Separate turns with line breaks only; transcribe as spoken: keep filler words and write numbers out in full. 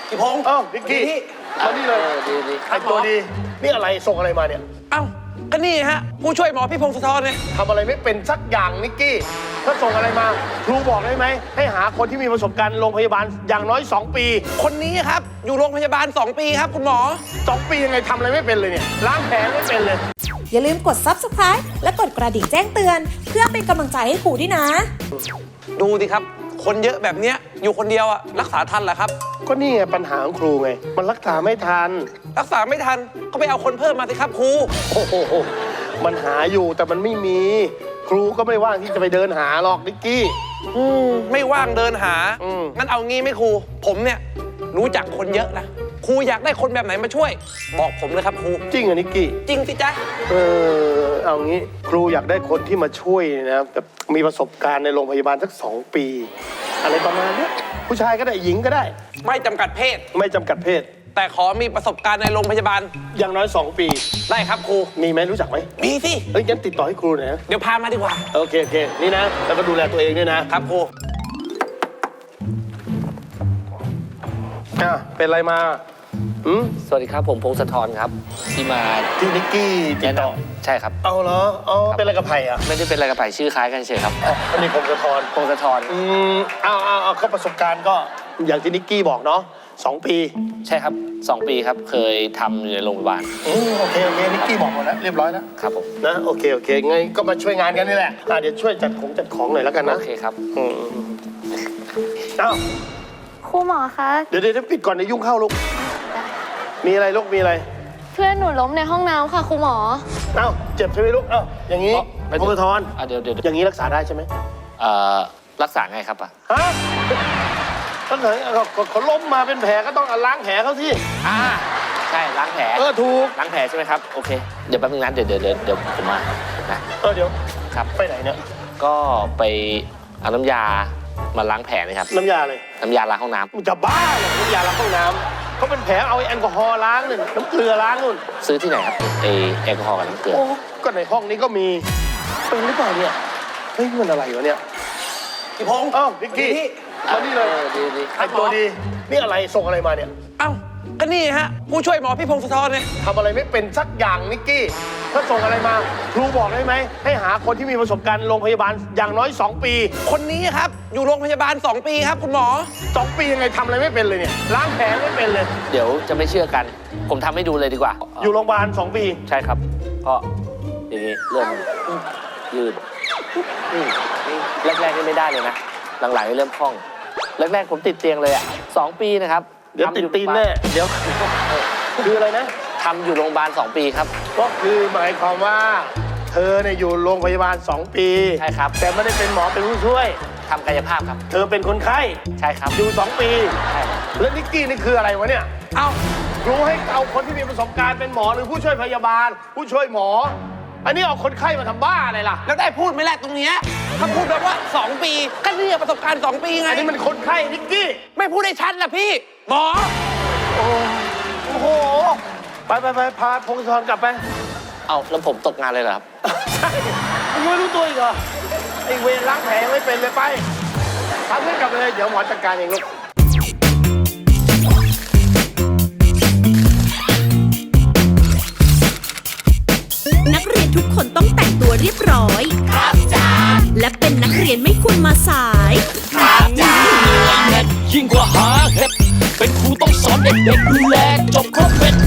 พี่พงษ์
เอ้านิกกี้มานี่เลยดีดีไอตัวดีนี่อะไรส่งอะไรมาเนี่ย
เอ้าก็นี่ฮะผู้ช่วยหมอพี่พงศธรเนี่ย
ทำอะไรไม่เป็นสักอย่างนิกกี้ถ้าส่งอะไรมาครูบอกได้ไหมให้หาคนที่มีประสบการณ์โรงพยาบาลอย่างน้อยสองปี
คนนี้ครับอยู่โรงพยาบาลสองปีครับคุณหมอ
สองปียังไงทำอะไรไม่เป็นเลยเนี่ยล้างแผลไม่เป็นเลย
อย่าลืมกด ซับสไครบ์ และกดกระดิ่งแจ้งเตือนเพื่อเป็นกำลังใจให้ครูด้วยนะ
ดูสิครับคนเยอะแบบเนี้ยอยู่คนเดียวอะรักษาทันเหรอครับ
ก็นี่ไงปัญหาของครูไงมันรักษาไม่ทัน
รักษาไม่ทันก็ไปเอาคนเพิ่มมาสิครับครู
โอ้โหมันหาอยู่แต่มันไม่มีครูก็ไม่ว่างที่จะไปเดินหาหรอกนิกกี้
อืมไม่ว่างเดินหางั้นเอางี้ไหมครูผมเนี่ยรู้จักคนเยอะนะครูอยากได้คนแบบไหนมาช่วยบอกผมเลยครับครู
จริงเหรอนิกกี้
จริงสิจ๊ะ
เออเอางี้ครูอยากได้คนที่มาช่วยนะแบบมีประสบการณ์ในโรงพยาบาลสักสองปีอะไรประมาณนี้ผู้ชายก็ได้หญิงก็ได้
ไม่จำกัดเพศ
ไม่จำกัดเพศ
แต่ขอมีประสบการณ์ในโรงพยาบาล
อย่างน้อยสองปี
ได้ครับครู
มีไหมรู้จักไหม
มีสิ
เอ้ยงั้นติดต่อให้ครูหน่อยนะ
เดี๋ยวพามาดีกว่า
โอเคโอเคนี่นะแล้วก็ดูแลตัวเองด้วยนะครับ
ครู
อ่ะเป็นอะไรมาอืม
สวัสดีครับผมพงศธรครับที่มา
ที่นิกกี้ติดต่อ
ใช่ครับ
เอาเหรออ๋อเป็นอะไรกับไผ่อะ
ไม่ได้เป็นอะไรกับไผ่ชื่อคล้ายกันเฉยครับ
อันนี้พงศธร
พงศธร
อืมเอาเอาเอาเขาประสบการณ์ก็อย่างที่นิกกี้บอกเนาะสองปี
ใช่ครับสองปีครับเคยทำอยู่ในโรงพยาบาล
อืมโอเคโอเคนิกกี้บอกหมดแล้วเรียบร้อยแล้ว
ครับผม
นะโอเคโอเคไงก็มาช่วยงานกันนี่แหละอ่ะเดี๋ยวช่วยจัดของจัดของหน่อยแล้วกันนะ
โอเคครับ
อืมเอ้า
ครูหมอคะ
เดี๋ยวเดี๋ยวปิดก่อนเดี๋ยวยุ่งเข้าลูกมีอะไรลูกมีอะไร
เพื่อนหนูล้มในห้องน้ำค่ะครูหมอ
เอ้าเจ็บใช่ไหมลูกเอ้าอย่างนี้พงศธร
เดี๋ยวเดี๋ยว
อย่างนี้รักษาได้ใช่ไหม
เอ่อรักษาไงครับอ่ะ
ฮะก็ไหนเขาล้มมาเป็นแผลก็ต้องล้างแผลเขาสิ
อ่าใช่ล้างแผล
เออถูก
ล้างแผลใช่ไหมครับโอเคเดี๋ยวแป๊บนึงนะเดี๋ยวเดี๋ยวเดี๋ยวผมมานะ
เออเดี๋ยว
ครับ
ไปไหนเนี่ย
ก็ไปเอาน้ำยามาล้างแผลนะครับ
น้ำยาเลย
น้ำยาล้างห้องน้
ำจะบ้าเหรอน้ำยาล้างห้องน้ำเขาเป็นแผลเอาแอลกอฮอล์ล้างหนึ่งน้ำเกลือล้างนู่น
ซื้อที่ไหนครับไอแอลกอฮอล์กับน้ำเกลือ
โอ้ก็ในห้องนี้ก็มีเป็นหรือเปล่าเนี่ยเฮ้ยมันอะไรวะเนี่ย
พี่พงษ์
เอ้านิกกี้มานี่เลย
ดีดี
ไอตัวดีนี่อะไรส่งอะไรมาเนี่ย
เอ้าก็นี่ฮะผู้ช่วยหมอพี่พงศธรเนี่ย
ทำอะไรไม่เป็นสักอย่างนิกกี้ถ้าส่งอะไรมาครูบอกได้ไหมให้หาคนที่มีประสบการณ์โรงพยาบาลอย่างน้อยสองปี
คนนี้ครับอยู่โรงพยาบาลสองปีครับคุณหมอ
สองปียังไงทำอะไรไม่เป็นเลยเนี่ยล้างแผลไม่เป็นเลย
เดี๋ยวจะไม่เชื่อกันผมทำให้ดูเลยดีกว่า
อยู่โรงพยาบาลสองปี
ใช่ครับก็อย่างนี้เริ่มยืดแรกๆนี่ไม่ได้เลยนะหลังๆนี่เริ่มคล่องแรกๆผมติดเตียงเลยอ่ะสองปีนะครับ
เดี๋ยวติดตีนแน่เดี๋ยวคืออะไรนะ
ทำอยู่โรงพยาบาลสองปีครับ
ก็คือหมายความว่าเธอเนี่ยอยู่โรงพยาบาลสองปี
ใช่ครับ
แต่ไม่ได้เป็นหมอเป็นผู้ช่วย
ทำกายภาพครับ
เธอเป็นคนไข้
ใช่ครับ
อยู่สองปี
ใช่
แล้วนิกกี้นี่คืออะไรวะเนี่ย
เอ้า
รู้ให้เอาคนที่มีประสบการณ์เป็นหมอหรือผู้ช่วยพยาบาลผู้ช่วยหมออันนี้เอาคนไข้มาทำบ้าอะไรล่ะ
แล้วได้พูดไหมแหละตรงเนี้ยถ้าพูดแบบว่าสองปีก็เรียกประสบการณ์สองปีไง
อันนี้มันคนไข้นิกกี้
ไม่พูดได้ชัดล่ะพี่หมอ
โอ้โหไปไปไปพาพงศธรกลับไป
เอาแล้วผมตกงานเลยเหรอครับ
ใช่มึงไม่รู้ตัวอีกเหรอไอเวรล้างแผลไม่เป็นเลยไปพาเพื่อนกลับไปเลยเดี๋ยวหมอจัดการเองลูก
นักเรียนทุกคนต้องแต่งตัวเรียบร้อยครับจ้าและเป็นนักเรียนไม่ควรมาสาย
ครับจ้ายิ่งกว่าหาเห็ดเป็นครูต้องสอนเด็กๆดูแลจบครบเป็น